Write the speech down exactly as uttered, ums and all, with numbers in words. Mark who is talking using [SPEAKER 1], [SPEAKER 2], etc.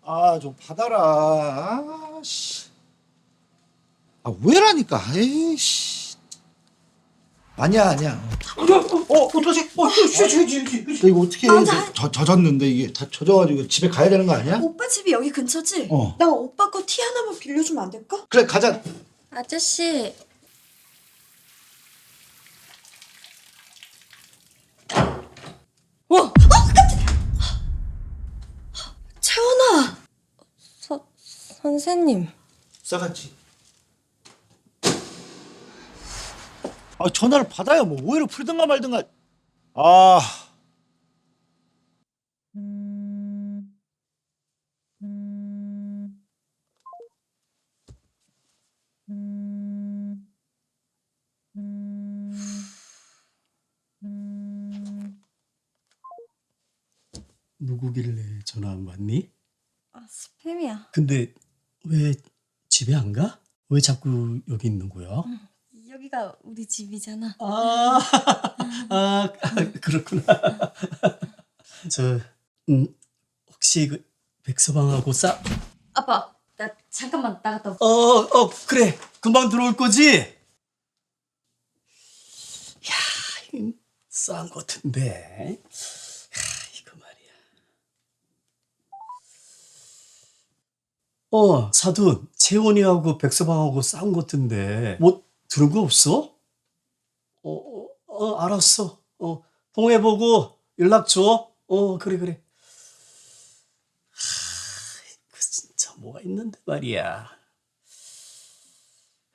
[SPEAKER 1] 아, 좀 받아라. 아, 씨. 아, 왜라니까. 에이씨. 아니야, 아니야. 어, 어떡하지? 어, 쉬, 쉬, 쉬, 쉬. 너 이거 어떻게 해?
[SPEAKER 2] 아, 나-
[SPEAKER 1] 저, 젖었는데 이게 다 젖어가지고 집에 가야 되는 거 아니야?
[SPEAKER 2] 오빠 집이 여기 근처지?
[SPEAKER 1] 어.
[SPEAKER 2] 나 오빠 거 티 하나만 빌려주면 안 될까?
[SPEAKER 1] 그래, 가자.
[SPEAKER 3] 아저씨.
[SPEAKER 2] 와! 어, 깜짝이야! 채원아!
[SPEAKER 3] 서, 선생님.
[SPEAKER 1] 싸갔지. 아, 전화를 받아야 뭐 오해를 풀든가 말든가. 아.
[SPEAKER 4] 누구길래 전화 안 받니?
[SPEAKER 3] 아, 스팸이야.
[SPEAKER 4] 근데 왜 집에 안 가? 왜 자꾸 여기 있는 거야?
[SPEAKER 3] 여기가 우리 집이잖아.
[SPEAKER 4] 아, 아, 그렇구나. 저, 음, 혹시 그 백서방하고 싸?
[SPEAKER 3] 아빠, 나 잠깐만 나갔다 올게.
[SPEAKER 4] 어, 어, 그래. 금방 들어올 거지? 야, 이거 싸운 것 같은데. 야, 이거 말이야. 어, 사돈, 채원이하고 백서방하고 싸운 것 같은데. 뭐, 들은 거 없어? 어, 어, 어, 알았어. 어, 통해보고 연락 줘. 어, 그래, 그래. 하, 그 진짜 뭐가 있는데 말이야.